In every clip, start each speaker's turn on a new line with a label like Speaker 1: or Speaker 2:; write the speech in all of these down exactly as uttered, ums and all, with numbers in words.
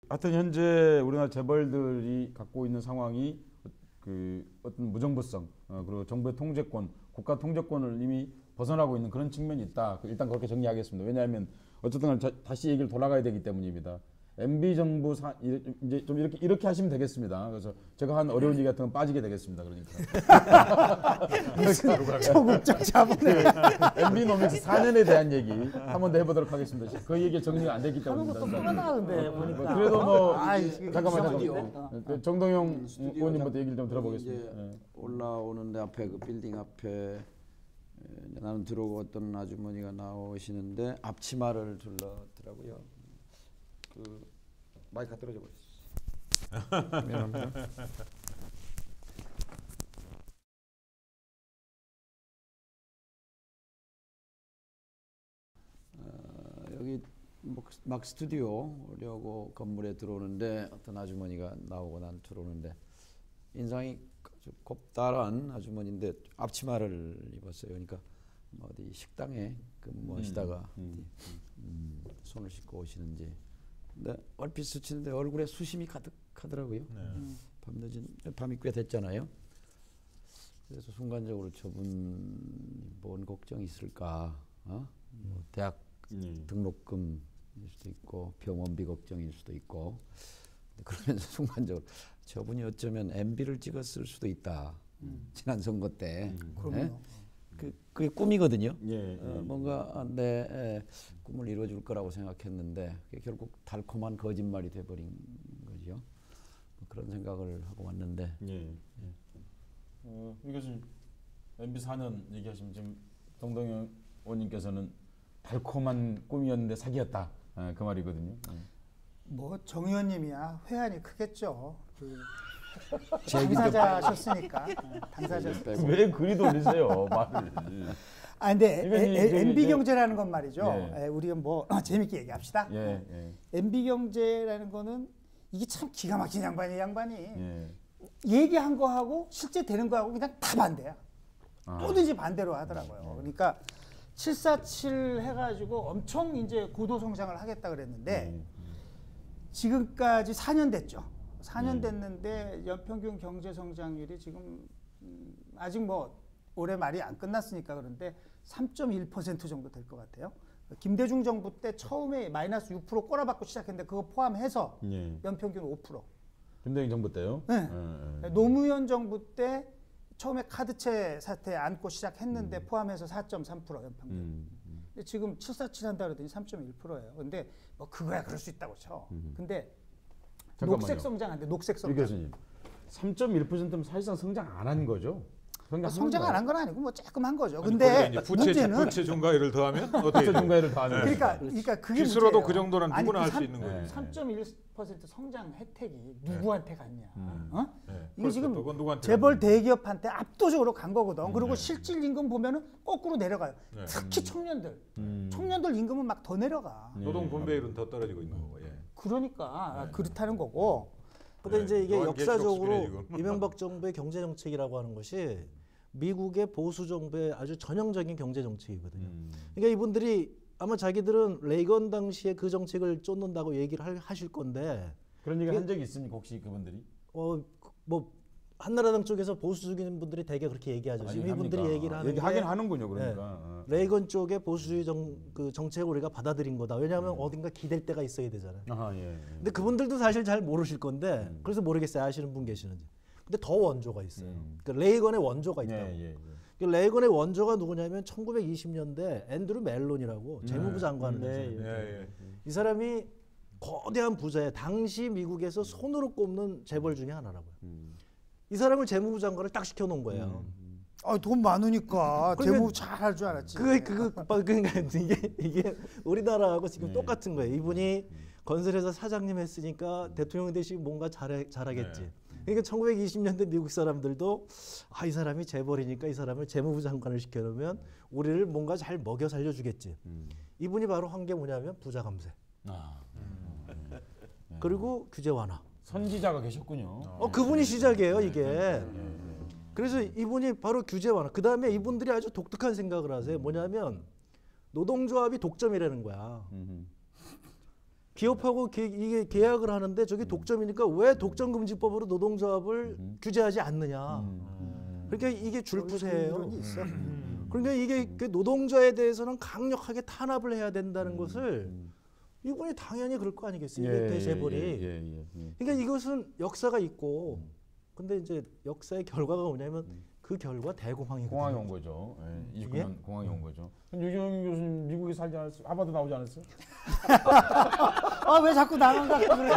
Speaker 1: 하여튼 현재 우리나라 재벌들이 갖고 있는 상황이 그 어떤 무정부성 어, 그리고 정부의 통제권, 국가 통제권을 이미 벗어나고 있는 그런 측면이 있다. 일단 그렇게 정리하겠습니다. 왜냐하면 어쨌든 자, 다시 얘기를 돌아가야 되기 때문입니다. 엠비 정부 사, 이제 좀 이렇게 이렇게 하시면 되겠습니다. 그래서 제가 한 어려운 얘기 같은 건 빠지게 되겠습니다. 그러니까
Speaker 2: 소극적 자본을
Speaker 1: 엠비 노믹스 사 년에 대한 얘기 한 번 더 해보도록 하겠습니다. 그 얘기 정리가 안 됐기
Speaker 2: 하는
Speaker 1: 때문입니다.
Speaker 2: 것도 불안하는데 보니까.
Speaker 1: 그래도 뭐
Speaker 2: 아이,
Speaker 1: 잠깐만
Speaker 2: 이상하죠.
Speaker 1: 잠깐만 정동영 의원님부터 얘기를 좀 들어보겠습니다.
Speaker 3: 이제
Speaker 1: 예.
Speaker 3: 올라오는데 앞에 그 빌딩 앞에 나는 들어오고 어떤 아주머니가 나오시는데 앞치마를 둘렀더라고요. 그 마이크가 떨어져 버렸어. 미안합니다. 어, 여기 막 스튜디오려고 건물에 들어오는데 어떤 아주머니가 나오고 난 들어오는데 인상이 아주 곱다란 아주머니인데 앞치마를 입었어요. 그러니까 뭐 어디 식당에 근무하시다가 음, 음, 음, 손을 씻고 오시는지. 근데 얼핏 스치는데 얼굴에 수심이 가득하더라고요. 네. 밤늦은 밤이 꽤 됐잖아요. 그래서 순간적으로 저분 뭔 걱정이 있을까? 어? 뭐 대학 음. 등록금일 수도 있고 병원비 걱정일 수도 있고. 그러면서 순간적으로 저분이 어쩌면 엠비를 찍었을 수도 있다. 음. 지난 선거 때. 음. 네? 그, 그게 꿈이거든요. 예, 예, 어, 뭔가 내 에, 꿈을 이루어줄 거라고 생각했는데 그게 결국 달콤한 거짓말이 돼버린 거죠. 뭐 그런 생각을 하고 왔는데.
Speaker 1: 예, 예. 어, 이 교수님 엠비 사 년 얘기하시면 지금 동동영 의원님께서는 달콤한 꿈이었는데 사기였다. 아, 그 말이거든요. 예.
Speaker 2: 뭐 정 의원님이야 회한이 크겠죠. 그 당사자셨으니까. 당사자셨으니까.
Speaker 1: 왜 그리 돌리세요 말을.
Speaker 2: 아 근데 엠비 경제라는 건 말이죠.
Speaker 1: 예.
Speaker 2: 우리가 뭐 재밌게 얘기합시다.
Speaker 1: 예, 예.
Speaker 2: 엠비 경제라는 거는 이게 참 기가 막힌 양반이 양반이
Speaker 1: 예.
Speaker 2: 얘기한 거하고 실제 되는 거하고 그냥 다 반대야.
Speaker 1: 아.
Speaker 2: 뭐든지 반대로 하더라고요. 그러니까 칠사칠 해가지고 엄청 이제 고도 성장을 하겠다 그랬는데
Speaker 1: 음.
Speaker 2: 지금까지 사 년 됐죠. 사 년 됐는데 연평균 경제 성장률이 지금 음 아직 뭐 올해 말이 안 끝났으니까 그런데 삼 점 일 퍼센트 정도 될 것 같아요. 김대중 정부 때 처음에 마이너스 육 퍼센트 꼬라박고 시작했는데 그거 포함해서 예. 연평균 오 퍼센트.
Speaker 1: 김대중 정부 때요?
Speaker 2: 네. 예, 예. 노무현 정부 때 처음에 카드채 사태 안고 시작했는데 음. 포함해서 사 점 삼 퍼센트 연평균. 음. 근데 지금 칠사칠 한다 그러더니 삼 점 일 퍼센트예요. 근데 뭐 그거야 그럴 수 있다고 쳐. 음. 근데
Speaker 1: 잠깐만요.
Speaker 2: 녹색 성장한데 녹색 성장.
Speaker 1: 이 교수님 삼 점 일 퍼센트면 사실상 성장 안 한 거죠?
Speaker 2: 성장, 성장 안 한 건 아니고 뭐 조금 한 거죠.
Speaker 4: 아니,
Speaker 2: 근데
Speaker 4: 부채,
Speaker 2: 문제는
Speaker 4: 부채 중과율을 더하면 어떻게
Speaker 1: 부채 중과율을 더하면
Speaker 2: 그러니까 그러니까 그게
Speaker 4: 실수로도
Speaker 2: 문제예요.
Speaker 4: 그 정도는 누구나 할
Speaker 2: 그
Speaker 4: 수 있는 거예요.
Speaker 2: 삼 점 일 퍼센트 성장 혜택이 누구한테 갔냐?
Speaker 4: 음.
Speaker 2: 어?
Speaker 4: 네.
Speaker 2: 이게 지금
Speaker 4: 누구한테
Speaker 2: 재벌
Speaker 4: 갔냐?
Speaker 2: 대기업한테 압도적으로 간 거거든.
Speaker 4: 음.
Speaker 2: 그리고
Speaker 4: 네.
Speaker 2: 실질 임금 보면은 거꾸로 내려가요.
Speaker 4: 네.
Speaker 2: 특히 청년들,
Speaker 1: 음.
Speaker 2: 청년들 임금은 막 더 내려가.
Speaker 4: 노동 분배율은 더 떨어지고 있는 거고. 예.
Speaker 2: 그러니까
Speaker 4: 네.
Speaker 2: 그렇다는 거고.
Speaker 5: 근데
Speaker 4: 네,
Speaker 5: 이제 이게
Speaker 4: 노안
Speaker 5: 역사적으로
Speaker 4: 계속
Speaker 5: 이명박 정부의 경제 정책이라고 하는 것이 미국의 보수 정부의 아주 전형적인 경제 정책이거든요.
Speaker 1: 음.
Speaker 5: 그러니까 이분들이 아마 자기들은 레이건 당시에 그 정책을 쫓는다고 얘기를 할, 하실 건데
Speaker 1: 그런 얘기 한 적이 있습니까 혹시 그분들이?
Speaker 5: 어 뭐 한나라당 쪽에서 보수적인 분들이 되게 그렇게 얘기하죠. 지금
Speaker 1: 아니,
Speaker 5: 이분들이
Speaker 1: 합니까?
Speaker 5: 얘기를 하는
Speaker 1: 얘기하긴
Speaker 5: 게
Speaker 1: 하는군요. 그러니까
Speaker 5: 네, 레이건 쪽의 보수주의 정, 그 정책을 우리가 받아들인 거다. 왜냐하면 음. 어딘가 기댈 때가 있어야 되잖아요.
Speaker 1: 아하, 예, 예.
Speaker 5: 근데 그분들도 사실 잘 모르실 건데 음. 그래서 모르겠어요. 아시는 분 계시는지. 근데 더 원조가 있어요. 음. 그 레이건의 원조가 있다고. 예, 예, 예. 그 레이건의 원조가 누구냐면 천구백이십 년대 앤드루 멜론이라고 재무부 장관을
Speaker 1: 네,
Speaker 5: 했어요.
Speaker 1: 예, 예, 예.
Speaker 5: 이 사람이 거대한 부자에 당시 미국에서 손으로 꼽는 재벌 중에 하나라고요. 음. 이 사람을 재무부 장관을 딱 시켜놓은 거예요.
Speaker 2: 음. 아, 돈 많으니까
Speaker 5: 그러니까
Speaker 2: 재무 잘 할 줄 알았지.
Speaker 5: 그게 그거 그러니까 이게 이게 우리나라하고 지금
Speaker 1: 네.
Speaker 5: 똑같은 거예요. 이분이 음. 건설회사 사장님 했으니까 대통령 대신 뭔가 잘해, 잘하겠지. 네. 그러니까 천구백이십 년대 미국 사람들도 아, 이 사람이 재벌이니까 이 사람을 재무부 장관을 시켜놓으면 우리를 뭔가 잘 먹여 살려주겠지. 음. 이분이 바로 한 게 뭐냐면 부자 감세. 아. 음. 그리고 규제 완화.
Speaker 1: 선지자가 계셨군요.
Speaker 5: 어, 그분이 시작이에요, 이게. 그래서 이분이 바로 규제 완화. 그 다음에 이분들이 아주 독특한 생각을 하세요. 뭐냐면 노동조합이 독점이라는 거야. 기업하고 게, 이게 계약을 하는데 저게 독점이니까 왜 독점금지법으로 노동조합을
Speaker 1: 음.
Speaker 5: 규제하지 않느냐.
Speaker 1: 음.
Speaker 5: 그러니까 이게 줄부세예요.
Speaker 2: 이론이 있어.
Speaker 4: 음.
Speaker 5: 그러니까 이게 그 노동자에 대해서는 강력하게 탄압을 해야 된다는 것을
Speaker 1: 음.
Speaker 5: 이분이 당연히 그럴 거 아니겠어요.
Speaker 1: 예,
Speaker 5: 이게 대재벌이.
Speaker 1: 예, 예, 예, 예.
Speaker 5: 그러니까 이것은 역사가 있고, 근데 이제 역사의 결과가 뭐냐면 그 결과 대공황이거든요.
Speaker 1: 공항에 온 거죠. 예, 이십구 년 공항에 온 거죠. 유경 교수님 미국에 살지 않았어요? 하버드 나오지 않았어요?
Speaker 2: 아 왜 자꾸 나만 갖고 그래?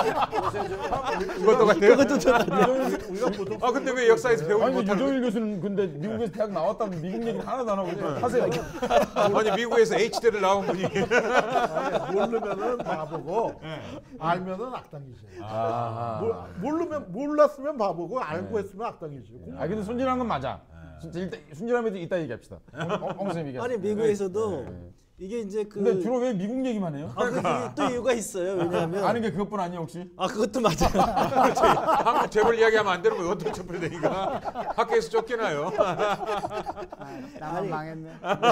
Speaker 4: 이것도 같아요.
Speaker 5: 그것도 저
Speaker 4: 아 근데 왜 역사에서 배우지
Speaker 1: 아니
Speaker 4: 못하는
Speaker 1: 유정일 교수는 근데 미국에서 대학 나왔다면 미국 얘기는 하나도 안 하고 있어요. 하세요.
Speaker 4: 아니 미국에서 H대를 나온 분이
Speaker 6: 모르면은 바보고 알면은 악당이지.
Speaker 1: 아,
Speaker 6: 몰, 모르면 몰랐으면 바보고 알고 했으면 악당이지.
Speaker 1: 아 근데 순진한 건 맞아. 진짜 일단 순진함에도 이따 얘기합시다. 엉 선생님 얘기.
Speaker 5: 아니 미국에서도 이게 이제 그
Speaker 1: 근데 주로 왜 미국 얘기만 해요?
Speaker 5: 아, 그게 또 이유가 있어요. 왜냐하면
Speaker 1: 아는 게 그것뿐 아니에요 혹시?
Speaker 5: 아 그것도 맞아요.
Speaker 4: 그렇지. 한국 재벌 이야기하면 안 되는 거 어떻게 촛불되니까 학교에서 쫓겨나요.
Speaker 2: 아, 나만
Speaker 5: 아니.
Speaker 2: 망했네.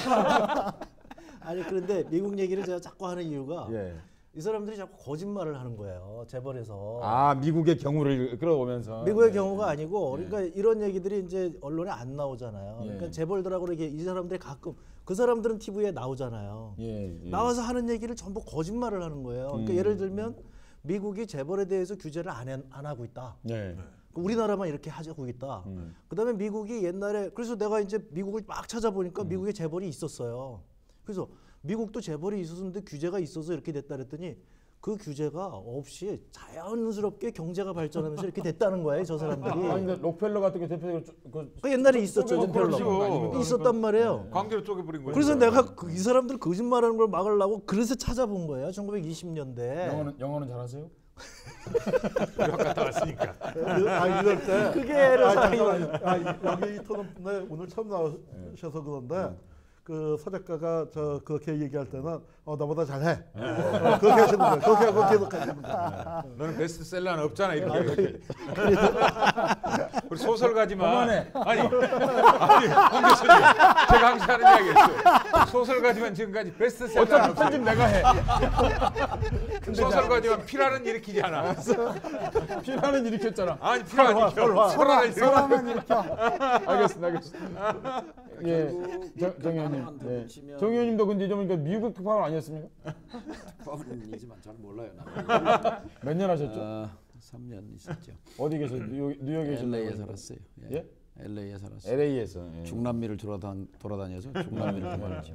Speaker 5: 아니 그런데 미국 얘기를 제가 자꾸 하는 이유가
Speaker 1: 예.
Speaker 5: 이 사람들이 자꾸 거짓말을 하는 거예요. 재벌에서.
Speaker 1: 아 미국의 경우를 끌어오면서.
Speaker 5: 미국의
Speaker 1: 네.
Speaker 5: 경우가 아니고 그러니까 이런 얘기들이 이제 언론에 안 나오잖아요.
Speaker 1: 예.
Speaker 5: 그러니까 재벌들하고 이렇게 이 사람들이 가끔 그 사람들은 티비에 나오잖아요.
Speaker 1: 예, 예.
Speaker 5: 나와서 하는 얘기를 전부 거짓말을 하는 거예요. 그러니까
Speaker 1: 음.
Speaker 5: 예를 들면 미국이 재벌에 대해서 규제를 안, 해- 안 하고 있다.
Speaker 1: 예.
Speaker 5: 우리나라만 이렇게 하고 있다.
Speaker 1: 음.
Speaker 5: 그다음에 미국이 옛날에 그래서 내가 이제 미국을 막 찾아보니까
Speaker 1: 음.
Speaker 5: 미국에 재벌이 있었어요. 그래서 미국도 재벌이 있었는데 규제가 있어서 이렇게 됐다 그랬더니 그 규제가 없이 자연스럽게 경제가 발전하면서 이렇게 됐다는 거예요, 저 사람들이.
Speaker 1: 아니 근데 록펠러 같은 게 대표적으로 쪼- 그
Speaker 5: 그 옛날에 있었죠,
Speaker 1: 쪼개고
Speaker 5: 별로.
Speaker 1: 그러는 거 아닙니까?
Speaker 5: 있었단 말이에요.
Speaker 4: 광대로 쪼개버린 거예요.
Speaker 5: 그래서 내가 그, 이 사람들 거짓말하는 걸 막으려고 그래서 찾아본 거예요, 천구백이십 년대.
Speaker 1: 영어는 영어는 잘하셔요?
Speaker 4: 유학 갔다 왔으니까.
Speaker 6: 아 이럴 때
Speaker 5: 그게 애를
Speaker 6: 아,
Speaker 5: 사랑이
Speaker 6: 잠깐만. 아, 이- 여기 이 토론에 오늘 처음 나오셔서 그런데 그 서 작가가 저 그렇게 얘기할 때는 어 나보다 잘해. 어, 그렇게 하시는 거예요. 그렇게 하고 계속 하시는 거예요.
Speaker 4: 너는 베스트셀러는 없잖아 이렇게. 이렇게. 우리 소설가지만.
Speaker 1: 그만해.
Speaker 4: 아니, 아니, 홍 교수님, 제가 항상 하는 이야기였어요. 소설가지만 지금까지 베스트셀러는
Speaker 1: 어차피
Speaker 4: 없어요.
Speaker 1: 편집 내가 해.
Speaker 4: 소설가지만 피라는 일으키지 않아.
Speaker 1: 피라는 일으켰잖아.
Speaker 4: 아니 피라는 일으켜. 설화를 일으켜.
Speaker 2: 서로만 일으켜.
Speaker 1: 알겠습니다, 알겠습니다. 예, 정- 정 의원님. 예. 정 의원님도 근데 좀 그러니까 미국 특파원 아니었습니까?
Speaker 3: 특파원이지만 잘 몰라요.
Speaker 1: 몇 년 하셨죠?
Speaker 3: 어, 삼 년 있었죠.
Speaker 1: 어디 계세요? 뉴욕, 뉴욕에 계셨나요?
Speaker 3: 엘에이에 살았어요. 예?
Speaker 1: 예?
Speaker 3: 엘에이에 살았어요.
Speaker 1: 엘에이에서. 예.
Speaker 3: 중남미를 돌아다, 돌아다녀서 중남미를 돌아다녔죠.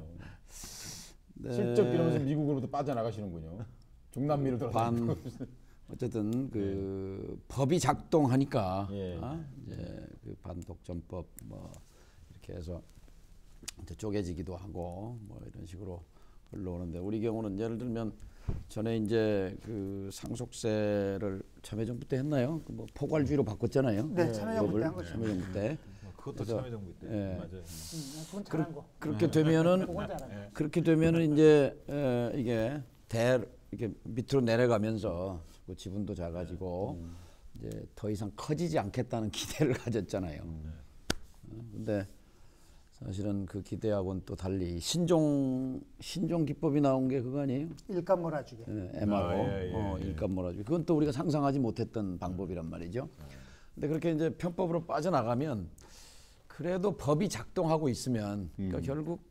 Speaker 3: 네,
Speaker 1: 실적 이러면서 미국으로부터 빠져나가시는군요. 중남미를
Speaker 3: 반
Speaker 1: 돌아다니고.
Speaker 3: 어쨌든 그 법이 작동하니까
Speaker 1: 예.
Speaker 3: 어? 이제 그 반독점법 뭐 이렇게 해서 이제 쪼개지기도 하고 뭐 이런 식으로 흘러오는데 우리 경우는 예를 들면 전에 이제 그 상속세를 참여정부 때 했나요? 그 뭐 포괄주의로 바꿨잖아요.
Speaker 2: 네, 참여정부 때 한
Speaker 3: 법을.
Speaker 2: 거죠.
Speaker 3: 참여정부 때.
Speaker 4: 그것도
Speaker 3: 그래서-
Speaker 4: 참여정부 때.
Speaker 3: 예.
Speaker 4: 맞아요.
Speaker 2: 음, 그건 잘한 거.
Speaker 3: 그렇게 되면은
Speaker 2: 그건 잘한 거.
Speaker 3: 그렇게 되면은 이제 에, 이게 대 이렇게 밑으로 내려가면서 그 지분도 작아지고 이제 더 이상 커지지 않겠다는 기대를 가졌잖아요. 어, 근데 사실은 그 기대하고는 또 달리 신종 신종 기법이 나온 게 그거 아니에요?
Speaker 2: 일감 몰아주게.
Speaker 3: 예, 엠알오
Speaker 4: 아, 예, 예,
Speaker 3: 어,
Speaker 4: 예.
Speaker 3: 일감 몰아주기. 그건 또 우리가 상상하지 못했던 방법이란 말이죠. 근데 그렇게 이제 편법으로 빠져나가면 그래도 법이 작동하고 있으면 그러니까 결국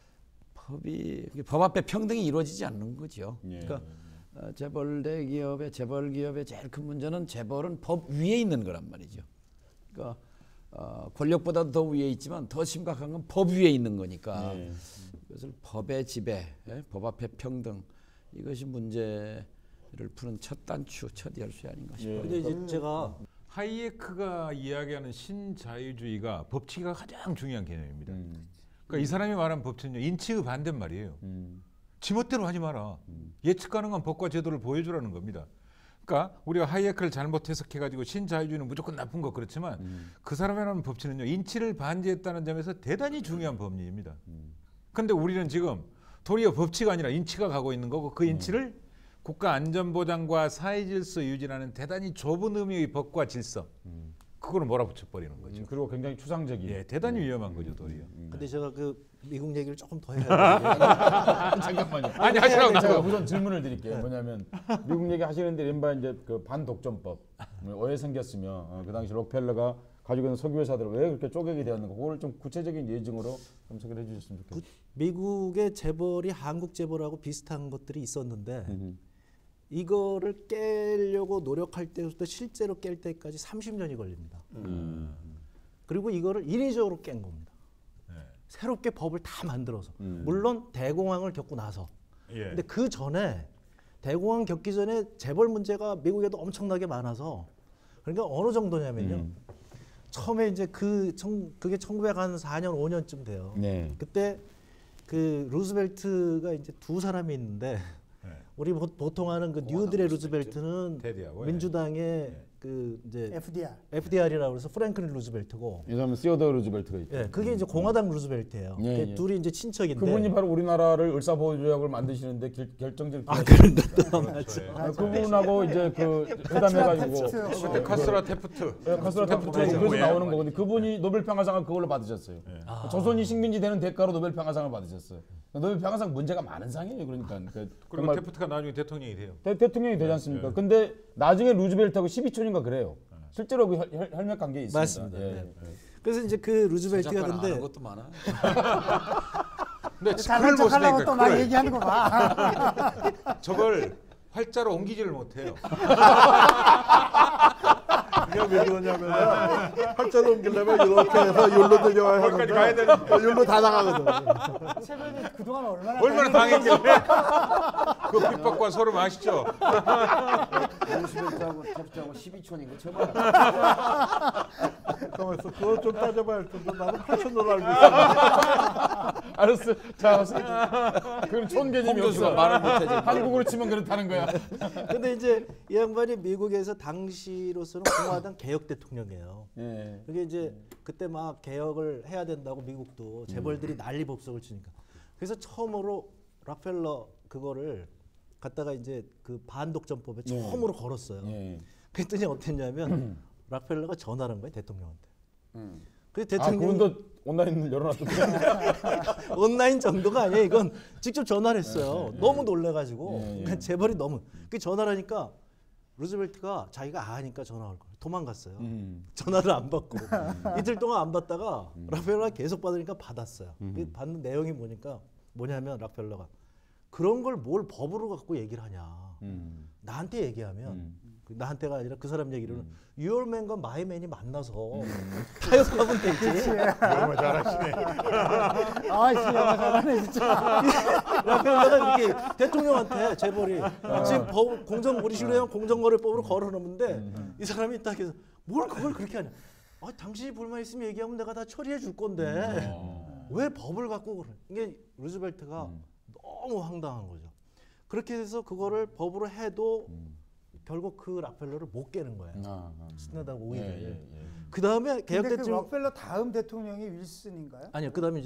Speaker 3: 법이 법 앞에 평등이 이루어지지 않는 거죠.
Speaker 1: 예.
Speaker 3: 그러니까 어, 재벌 대기업의 재벌 기업의 제일 큰 문제는 재벌은 법 위에 있는 거란 말이죠. 그러니까 어, 권력보다도 더 위에 있지만 더 심각한 건 법 위에 있는 거니까
Speaker 1: 예.
Speaker 3: 그것을 법의 지배, 예? 법 앞에 평등 이것이 문제를 푸는 첫 단추, 첫 열쇠 아닌가 싶어요.
Speaker 1: 예.
Speaker 5: 근데 이제 제가
Speaker 4: 하이에크가 이야기하는 신자유주의가 법치가 가장 중요한 개념입니다.
Speaker 1: 음.
Speaker 4: 그러니까 이 사람이 말하는 법치는요 인치의 반대인 말이에요.
Speaker 1: 음.
Speaker 4: 지멋대로 하지 마라. 예측 가능한 법과 제도를 보여주라는 겁니다. 그러니까 우리가 하이에크를 잘못 해석해가지고 신자유주의는 무조건 나쁜 거 그렇지만 그 사람이 말하는 법치는요 인치를 반대했다는 점에서 대단히 중요한 법리입니다. 그런데 우리는 지금 도리어 법치가 아니라 인치가 가고 있는 거고 그 인치를 국가 안전보장과 사회질서 유지라는 대단히 좁은 의미의 법과 질서 그거를 몰아붙여버리는 거죠.
Speaker 1: 음, 그리고 굉장히 추상적인.
Speaker 4: 예, 대단히 위험한 거죠 도리어.
Speaker 5: 근데 제가 그 미국 얘기를 조금 더 해야 돼요.
Speaker 1: 잠깐만요.
Speaker 4: 아니 하시라고
Speaker 1: 제가
Speaker 4: 나고.
Speaker 1: 우선 질문을 드릴게요. 뭐냐면 미국 얘기 하시는데 이른바 이제 그 반독점법 왜 생겼으며 어, 그 당시 록펠러가 가지고 있는 석유 회사들을 왜 그렇게 쪼개게 되었는가? 그걸 좀 구체적인 예증으로 좀 소개해 주셨으면 좋겠어요.
Speaker 5: 미국의 재벌이 한국 재벌하고 비슷한 것들이 있었는데
Speaker 1: 음흠.
Speaker 5: 이거를 깨려고 노력할 때부터 실제로 깰 때까지 삼십 년이 걸립니다.
Speaker 1: 음.
Speaker 5: 그리고 이거를 인위적으로 깬 겁니다.
Speaker 4: 네.
Speaker 5: 새롭게 법을 다 만들어서.
Speaker 1: 음.
Speaker 5: 물론 대공황을 겪고 나서.
Speaker 4: 예.
Speaker 5: 근데 그 전에 대공황 겪기 전에 재벌 문제가 미국에도 엄청나게 많아서 그러니까 어느 정도냐면요.
Speaker 1: 음.
Speaker 5: 처음에 이제 그 청, 그게 천구백사 년 오 년쯤 돼요.
Speaker 1: 네.
Speaker 5: 그때 그 루즈벨트가 이제 두 사람이 있는데
Speaker 4: 네.
Speaker 5: 우리 보, 보통 하는 그 뉴딜의 루즈벨트는
Speaker 4: 테디하고, 예.
Speaker 5: 민주당의 그 이제
Speaker 2: 에프디알.
Speaker 5: 에프디알이라고 해서 프랭클린 루즈벨트고
Speaker 1: 이 사람은 시어더 루즈벨트가 있죠.
Speaker 5: 예, 그게 이제 공화당 루즈벨트예요.
Speaker 1: 예,
Speaker 5: 그게
Speaker 1: 예.
Speaker 5: 둘이 이제 친척인데
Speaker 1: 그분이 바로 우리나라를 을사보호조약을 만드시는데 결, 결정적
Speaker 5: 아 그런데 또
Speaker 4: 그렇죠. 예.
Speaker 1: 아, 그분하고 이제 그 회담해가지고
Speaker 2: 테프트.
Speaker 4: 그때 카스라 테프트.
Speaker 1: 네, 카스라 테프트
Speaker 4: 테프트
Speaker 1: 그래서
Speaker 4: 예.
Speaker 1: 나오는 거거든요. 그분이 노벨 평화상을 그걸로 받으셨어요.
Speaker 4: 예.
Speaker 5: 아.
Speaker 1: 조선이 식민지 되는 대가로 노벨 평화상을 받으셨어요. 노벨 평화상 문제가 많은 상이에요. 그러니까 그
Speaker 4: 그리고
Speaker 1: 정말
Speaker 4: 테프트가 나중에 대통령이 돼요.
Speaker 1: 대, 대통령이 되지 않습니까?
Speaker 4: 예.
Speaker 1: 근데 나중에 루즈벨트하고 십이 촌인가 그래요. 실제로 그 혈, 혈, 혈맥 관계 있습니다.
Speaker 5: 맞습니다.
Speaker 1: 예.
Speaker 5: 네. 그래서 이제 그 루즈벨트가
Speaker 3: 서작가는 아는
Speaker 5: 근데
Speaker 3: 것도 많아.
Speaker 4: 근데
Speaker 2: 잘난
Speaker 4: 그걸 못
Speaker 2: 척하려고
Speaker 4: 쓰니까
Speaker 2: 또 막
Speaker 4: 그걸
Speaker 2: 얘기하는 거 봐.
Speaker 4: 저걸 활자로 옮기지를 못해요.
Speaker 6: 그냥 왜 그러냐면 팔자로 옮기려면 이렇게 해서 율로 들려야
Speaker 4: 거기까지
Speaker 6: 하는데
Speaker 4: 가야 되는
Speaker 6: 어, 율로 다 나가거든.
Speaker 2: 최근에 그동안 얼마나
Speaker 4: 얼마나 당했길래 그 핍박과 서로 아시죠?
Speaker 3: 루스벨트하고 테프트하고 십이 촌인 거 처음 알아.
Speaker 6: 가만있어. 그거 좀 따져봐야 할 텐데 나는 팔천으로 알고 있어.
Speaker 1: 알았어. 자, 그건 촌 개념이
Speaker 3: 교수가
Speaker 1: 없어.
Speaker 3: 말을 못하지.
Speaker 1: 한국으로 치면 그렇다는 거야.
Speaker 5: 근데 이제 이 양반이 미국에서 당시로서는 공화당 개혁 대통령이에요.
Speaker 1: 예.
Speaker 5: 그게 이제 그때 막 개혁을 해야 된다고 미국도 재벌들이 난리 법석을 치니까 그래서 처음으로 락펠러 그거를 갖다가 이제 그 반독점법에
Speaker 1: 예.
Speaker 5: 처음으로 걸었어요.
Speaker 1: 예.
Speaker 5: 그랬더니 어땠냐면 락펠러가 전화를 한 거예요 대통령한테.
Speaker 3: 음.
Speaker 5: 그
Speaker 1: 아,
Speaker 5: 대통령이
Speaker 1: 그분도 온라인을 열어놨던데.
Speaker 5: 온라인 정도가 아니에요. 이건 직접 전화를 했어요. 너무 놀래가지고
Speaker 1: 예, 예.
Speaker 5: 그러니까 재벌이 너무 그 전화를 하니까 루즈벨트가 자기가 아니까 전화 올 거예요. 도망갔어요.
Speaker 1: 음.
Speaker 5: 전화를 안 받고 이틀 동안 안 받다가 락펠러가 계속 받으니까 받았어요. 그 받는 내용이 뭐니까 뭐냐면 락펠러가 그런 걸 뭘 법으로 갖고 얘기를 하냐.
Speaker 1: 음.
Speaker 5: 나한테 얘기하면
Speaker 1: 음.
Speaker 5: 그 나한테가 아니라 그 사람 얘기로는 유얼맨과 마이맨이 만나서 타협하면 되지.
Speaker 4: 정말 잘하시네.
Speaker 2: 아씨 영화 잘하네 진짜.
Speaker 5: 락펠러가 이렇게 대통령한테 재벌이 지금 법, 공정거래위원회 공정거래법으로 걸어놓는데 이 사람이 딱 해서 뭘 그걸 그렇게 하냐. 아, 당신이 불만 있으면 얘기하면 내가 다 처리해 줄 건데 왜 법을 갖고 그래? 이게 루즈벨트가 너무 황당한 거죠. 그렇게 해서 그거를 법으로 해도 결국 그 락펠러를 못 깨는 거예요.
Speaker 1: 아, 아.
Speaker 5: 신나다고
Speaker 1: 예,
Speaker 5: 오히려.
Speaker 1: 예, 예.
Speaker 5: 그 다음에 개혁
Speaker 2: 근데 그
Speaker 5: 대통령
Speaker 2: 록펠러 다음 대통령이 윌슨인가요?
Speaker 5: 아니요. 그 다음에